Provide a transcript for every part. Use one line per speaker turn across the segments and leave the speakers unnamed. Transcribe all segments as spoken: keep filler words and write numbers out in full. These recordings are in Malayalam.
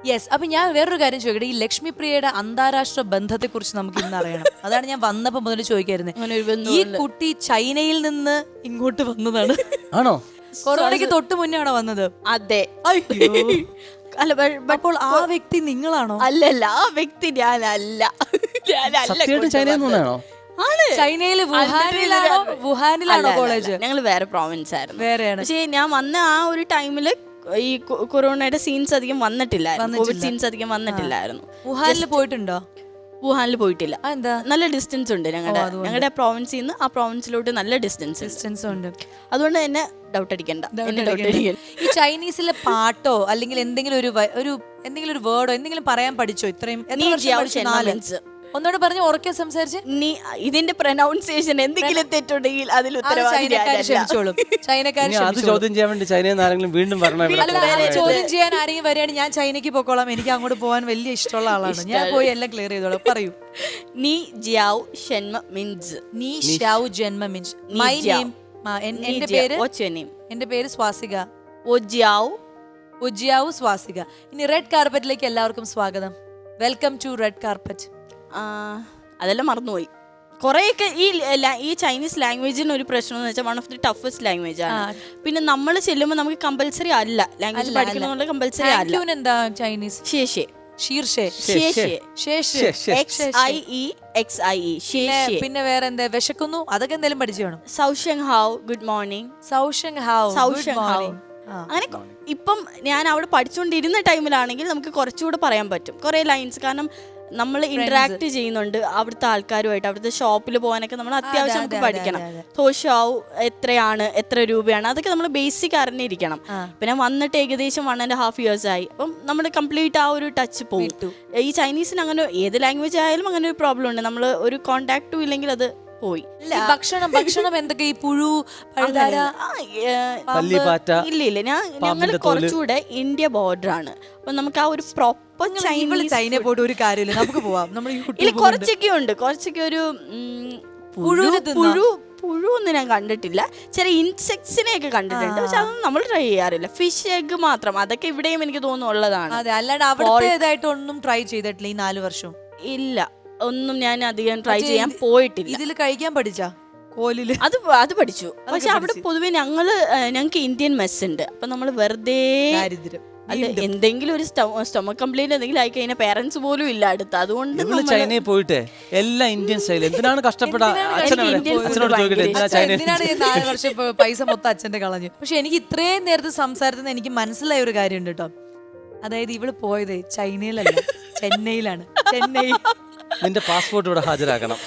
യെസ്. അപ്പൊ ഞാൻ വേറൊരു കാര്യം ചോദിക്കട്ടെ, ഈ ലക്ഷ്മി പ്രിയയുടെ അന്താരാഷ്ട്ര ബന്ധത്തെ കുറിച്ച് നമുക്ക് ഇന്ന് അറിയണം. അതാണ് ഞാൻ വന്നപ്പോ മുതൽ ചോദിക്കായിരുന്നത്. ഈ കുട്ടി ചൈനയിൽ നിന്ന് ഇങ്ങോട്ട് വന്നതാണ്
ആണോ?
കൊറോണയ്ക്ക് തൊട്ട് മുന്നേ ആണോ വന്നത്?
അതെ.
അല്ല, അപ്പോൾ ആ വ്യക്തി നിങ്ങളാണോ?
അല്ലല്ല, ആ വ്യക്തി ഞാനല്ല.
സത്യമായിട്ടും ചൈനയിൽ നിന്നാണോ?
ചൈനയില് വുഹാനിലാണോ? വുഹാനിലാണോ കോളേജ്?
ഞങ്ങൾ വേറെ പ്രോവിൻസ് ആയിരുന്നു.
വേറെയാണ്.
പക്ഷേ ഞാൻ വന്ന ആ ഒരു ടൈമില് ഈ കൊറോണയുടെ സീൻസ് അധികം വന്നിട്ടില്ലായിരുന്നു. കോവിഡ് സീൻസ് അധികം വന്നിട്ടില്ലായിരുന്നു.
വുഹാനിൽ പോയിട്ടുണ്ടോ?
വുഹാനിൽ പോയിട്ടില്ല.
എന്താ?
നല്ല ഡിസ്റ്റൻസ് ഉണ്ട് ഞങ്ങളുടെ ഞങ്ങളുടെ പ്രോവിൻസിൽ നിന്ന് ആ പ്രോവിൻസിലോട്ട് നല്ല ഡിസ്റ്റൻസ്
ഡിസ്റ്റൻസ് ഉണ്ട്.
അതുകൊണ്ട് തന്നെ ഡൗട്ട് അടിക്കണ്ട.
ഈ ചൈനീസിലെ പാട്ടോ അല്ലെങ്കിൽ എന്തെങ്കിലും ഒരു ഒരു എന്തെങ്കിലും ഒരു വേർഡോ എന്തെങ്കിലും പറയാൻ പഠിച്ചോ? ഇത്രയും ഒന്നോട് പറഞ്ഞ് ഉറക്കെ സംസാരിച്ച്
നീ ഇതിന്റെ പ്രൊനൗൺസിയേഷൻ എന്തെങ്കിലും തെറ്റുണ്ടെങ്കിൽ അതിൽ
ചൈനക്കാർ ക്ഷമിച്ചോളും. ചൈനക്കാർ
ചോദ്യം ചെയ്യാൻ വേണ്ടി ചൈനയിൽ ആരെങ്കിലും വീണ്ടും
ചോദ്യം ചെയ്യാൻ ആരെങ്കിലും വരികയാണെങ്കിൽ ഞാൻ ചൈനയ്ക്ക് പോക്കോളാം. എനിക്ക് അങ്ങോട്ട് പോകാൻ വലിയ ഇഷ്ടമുള്ള ആളാണ്. ഞാൻ പോയി എല്ലാം ക്ലിയർ ചെയ്തോളാം. പറയൂ.
നീ ജിയാവോ ഷെൻമ മിൻസ്.
നീ ഷിയാവോ ജന്മ മിൻസ്. മൈ നെയിം, എന്റെ പേര് എന്റെ പേര് സ്വാസിക.
ഒജിയാവോ
ഒജിയാവോ സ്വാസിക. ഇനി റെഡ് കാർപ്പറ്റിലേക്ക് എല്ലാവർക്കും സ്വാഗതം. Welcome to red carpet.
അതെല്ലാം മറന്നുപോയി കുറേയൊക്കെ. ഈ ഈ ചൈനീസ് ലാംഗ്വേജിന് ഒരു പ്രശ്നം എന്ന് വെച്ചാൽ one of the toughest language ആണ്. പിന്നെ നമ്മൾ ചെല്ലുമ്പോൾ നമുക്ക് കമ്പൽസറി അല്ല ലാംഗ്വേജ് പഠിക്കണമെന്നുള്ള കമ്പൽസറി അല്ല.
എന്താ ചൈനീസ്?
ശേഷേ
പിന്നെ വേറെ എന്താ? വിശക്കുന്നു, അതൊക്കെ എന്തായാലും പഠിച്ചു വേണം.
സൗഷങ് ഹാവ്, ഗുഡ് മോർണിംഗ്.
സൗഷങ് ഹാവ്,
സൗഷങ് ഹാവ്. അങ്ങനെ ഇപ്പം ഞാൻ അവിടെ പഠിച്ചുകൊണ്ടിരുന്ന ടൈമിലാണെങ്കിൽ നമുക്ക് കുറച്ചുകൂടെ പറയാൻ പറ്റും കുറേ ലൈൻസ്. കാരണം നമ്മൾ ഇന്ററാക്ട് ചെയ്യുന്നുണ്ട് അവിടുത്തെ ആൾക്കാരുമായിട്ട്. അവിടുത്തെ ഷോപ്പിൽ പോകാനൊക്കെ നമ്മൾ അത്യാവശ്യം നമുക്ക് പഠിക്കണം. തോഷാവ് എത്രയാണ്, എത്ര രൂപയാണ്, അതൊക്കെ നമ്മൾ ബേസിക് അറിഞ്ഞിരിക്കണം. പിന്നെ വന്നിട്ട് ഏകദേശം വൺ ആൻഡ് ഹാഫ് ഇയേഴ്സ് ആയി. അപ്പം നമ്മൾ കംപ്ലീറ്റ് ആ ഒരു ടച്ച് പോകും. ഈ ചൈനീസിന് അങ്ങനെ ഏത് ലാംഗ്വേജ് ആയാലും അങ്ങനെ ഒരു പ്രോബ്ലം ഉണ്ട്. നമ്മൾ ഒരു കോണ്ടാക്റ്റും ഇല്ലെങ്കിൽ അത് പോയി.
ഭക്ഷണം ഭക്ഷണം എന്തൊക്കെ? ഈ പുഴു,
ഇല്ല ഇല്ല ഞാൻ ഞങ്ങൾ കുറച്ചുകൂടെ ഇന്ത്യ ബോർഡർ ആണ്. അപ്പൊ നമുക്ക് ആ ഒരു പ്രോപ്പർ
ചൈന പോയിട്ട് ഒരു കാര്യമില്ല, നമുക്ക് പോവാം.
ഇല്ല കുറച്ചൊക്കെ ഉണ്ട്. കുറച്ചൊക്കെ ഒരു പുഴു പുഴു പുഴു ഒന്നും ഞാൻ കണ്ടിട്ടില്ല. ചില ഇൻസെക്ട്സിനെ ഒക്കെ കണ്ടിട്ടുണ്ട്. പക്ഷെ അതൊന്നും നമ്മൾ ട്രൈ ചെയ്യാറില്ല. ഫിഷ് എഗ് മാത്രം. അതൊക്കെ ഇവിടെയും എനിക്ക് തോന്നുന്നു ഉള്ളതാണ്.
അതെ, അല്ലാണ്ട് അവിടത്തേതായിട്ട് ഒന്നും ട്രൈ ചെയ്തിട്ടില്ല ഈ നാല് വർഷം.
ഇല്ല, ഒന്നും ഞാൻ അധികം ട്രൈ ചെയ്യാൻ പോയിട്ടില്ല.
ഇതിൽ കഴിക്കാൻ പഠിച്ചാ? കോലില്
അത് അത് പഠിച്ചു. പക്ഷെ അവിടെ പൊതുവെ ഞങ്ങള് ഞങ്ങൾക്ക് ഇന്ത്യൻ മെസ് ഉണ്ട്. അപ്പൊ നമ്മള് വെറുതെ അല്ല എന്തെങ്കിലും ഒരു സ്റ്റൊമക് കംപ്ലൈന്റ് എന്തെങ്കിലും ആയി കഴിഞ്ഞാൽ പേരൻസ് പോലും ഇല്ല അടുത്ത്. അതുകൊണ്ട്
ചൈനയിൽ പോയിട്ട് എല്ലാ ഇന്ത്യൻ സ്റ്റൈൽ എന്തിനാണ് കഷ്ടപ്പെടാ?
നാല് വർഷം പൈസ മൊത്തം അച്ഛന്റെ കളഞ്ഞു. പക്ഷെ എനിക്ക് ഇത്രയും നേരത്തെ സംസാരത്തിൽ എനിക്ക് മനസ്സിലായ ഒരു കാര്യമുണ്ട് കേട്ടോ. അതായത് ഇവള് പോയത് ചൈനയിലല്ല, ചെന്നൈയിലാണ്. ചെന്നൈ.
നിന്റെ പാസ്പോർട്ട് ഇവിടെ ഹാജരാക്കണം.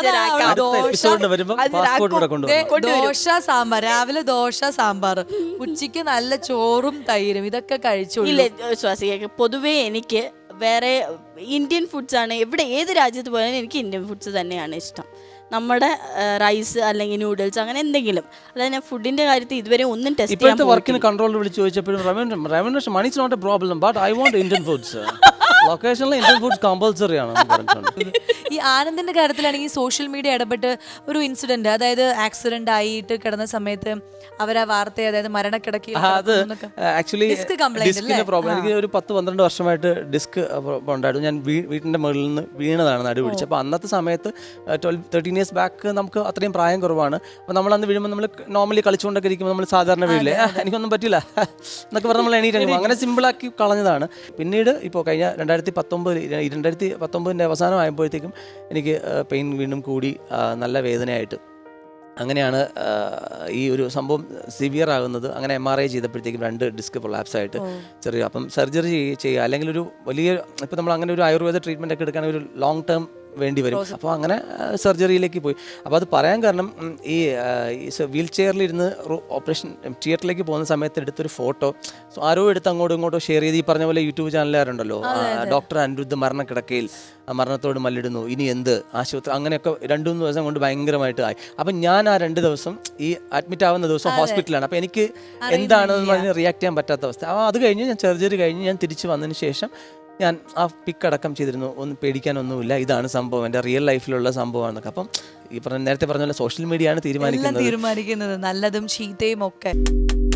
ദോശ സാമ്പാർ, രാവിലെ ദോശ സാമ്പാർ, ഉച്ചയ്ക്ക് നല്ല ചോറും തൈരും, ഇതൊക്കെ കഴിച്ചു.
ഇല്ല ശ്വാസിക, പൊതുവേ എനിക്ക് വേറെ ഇന്ത്യൻ ഫുഡ്സ് ആണ്. എവിടെ ഏത് രാജ്യത്ത് പോയാലും എനിക്ക് ഇന്ത്യൻ ഫുഡ്സ് തന്നെയാണ് ഇഷ്ടം. നമ്മുടെ റൈസ് അല്ലെങ്കിൽ നൂഡിൽസ് അങ്ങനെ എന്തെങ്കിലും. അതായത് ഞാൻ ഫുഡിന്റെ കാര്യത്തിൽ ഇതുവരെ ഒന്നും ടെസ്റ്റ് ചെയ്യാൻ
ഇപ്പോഴത്തെ വർക്കിന് കൺട്രോളിൽ വിളിച്ച് ചോദിച്ചപ്പോഴും revenue money is not a problem but I want Indian foods. ലൊക്കേഷനിൽ ഇന്ത്യൻ ഫുഡ്സ് കമ്പൽസറി ആണ്.
ഈ ആനന്ദിന്റെ കാര്യത്തിലാണെങ്കിൽ സോഷ്യൽ മീഡിയ ഇടപെട്ട് ഒരു ഇൻസിഡന്റ്, അതായത് ആക്സിഡന്റ് ആയിട്ട് കിടന്ന സമയത്ത് അവരാ വാർത്ത, അതായത് മരണക്കിടക്കി
ഡിസ്കിന്റെ പ്രോബ്ലം. എനിക്ക് ഒരു പത്ത് പന്ത്രണ്ട് വർഷമായിട്ട് ഡിസ്ക് ഉണ്ടായിരുന്നു. ഞാൻ വീട്ടിന്റെ മുകളിൽ നിന്ന് വീണതാണ്, നടു പിടിച്ചത്. അപ്പോൾ അന്നത്തെ സമയത്ത് ട്വൽവ് തേർട്ടീൻ ഇയേഴ്സ് ബാക്ക് നമുക്ക് അത്രയും പ്രായം കുറവാണ്. അപ്പോൾ നമ്മൾ അന്ന് വീഴുമ്പോൾ നമ്മൾ നോർമലി കളിച്ചുകൊണ്ടൊക്കെ ഇരിക്കുമ്പോൾ നമ്മൾ സാധാരണ വീഴില്ലേ, എനിക്കൊന്നും പറ്റില്ല എന്നൊക്കെ പറഞ്ഞ് നമ്മൾ എണീറ്റ് അങ്ങനെ സിമ്പിളാക്കി കളഞ്ഞതാണ്. പിന്നീട് ഇപ്പോൾ കഴിഞ്ഞ രണ്ടായിരത്തി പത്തൊമ്പത് രണ്ടായിരത്തി പത്തൊമ്പതിൻ്റെ അവസാനം ആയപ്പോഴത്തേക്കും എനിക്ക് പെയിൻ വീണ്ടും കൂടി, നല്ല വേദനയായിട്ട്. അങ്ങനെയാണ് ഈ ഒരു സംഭവം സിവിയർ ആകുന്നത്. അങ്ങനെ എം ആർ ഐ ചെയ്തപ്പോഴത്തേക്കും രണ്ട് ഡിസ്ക് പ്രൊലാപ്സ് ആയിട്ട് ചെറിയ, അപ്പം സർജറി ചെയ്യുക അല്ലെങ്കിൽ ഒരു വലിയ, ഇപ്പം നമ്മൾ അങ്ങനെ ഒരു ആയുർവേദ ട്രീറ്റ്മെൻ്റ് ഒക്കെ എടുക്കുകയാണെങ്കിൽ ഒരു ലോങ് ടേം വേണ്ടി വരും. അപ്പോൾ അങ്ങനെ സർജറിയിലേക്ക് പോയി. അപ്പോൾ അത് പറയാൻ കാരണം ഈ വീൽ ചെയറിലിരുന്ന് ഓപ്പറേഷൻ തിയേറ്ററിലേക്ക് പോകുന്ന സമയത്ത് എടുത്തൊരു ഫോട്ടോ ആരോ എടുത്ത് അങ്ങോട്ടും ഇങ്ങോട്ടോ ഷെയർ ചെയ്ത്, ഈ പറഞ്ഞ പോലെ യൂട്യൂബ് ചാനലുകാരുണ്ടല്ലോ, ഡോക്ടർ അനിരുദ്ധ് മരണക്കിടക്കയിൽ മരണത്തോട് മല്ലിടുന്നു, ഇനി എന്ത് ആശുപത്രി, അങ്ങനെയൊക്കെ രണ്ടു മൂന്ന് ദിവസം കൊണ്ട് ഭയങ്കരമായിട്ട് ആയി. അപ്പം ഞാൻ ആ രണ്ട് ദിവസം ഈ അഡ്മിറ്റ് ആവുന്ന ദിവസം ഹോസ്പിറ്റലാണ്. അപ്പോൾ എനിക്ക് എന്താണെന്ന് പറഞ്ഞ് റിയാക്ട് ചെയ്യാൻ പറ്റാത്ത അവസ്ഥ. അപ്പോൾ അത് കഴിഞ്ഞ് ഞാൻ സർജറി കഴിഞ്ഞ് ഞാൻ തിരിച്ച് വന്നതിന് ശേഷം ഞാൻ ആ പിക്ക് അടക്കം ചെയ്തിരുന്നു. ഒന്നും പേടിക്കാനൊന്നുമില്ല, ഇതാണ് സംഭവം, എൻ്റെ റിയൽ ലൈഫിലുള്ള സംഭവമാണെന്നൊക്കെ. അപ്പം ഈ പറഞ്ഞ നേരത്തെ പറഞ്ഞ പോലെ സോഷ്യൽ മീഡിയ ആണ് തീരുമാനിക്കുന്നത്
തീരുമാനിക്കുന്നത് നല്ലതും ചീത്തയും ഒക്കെ.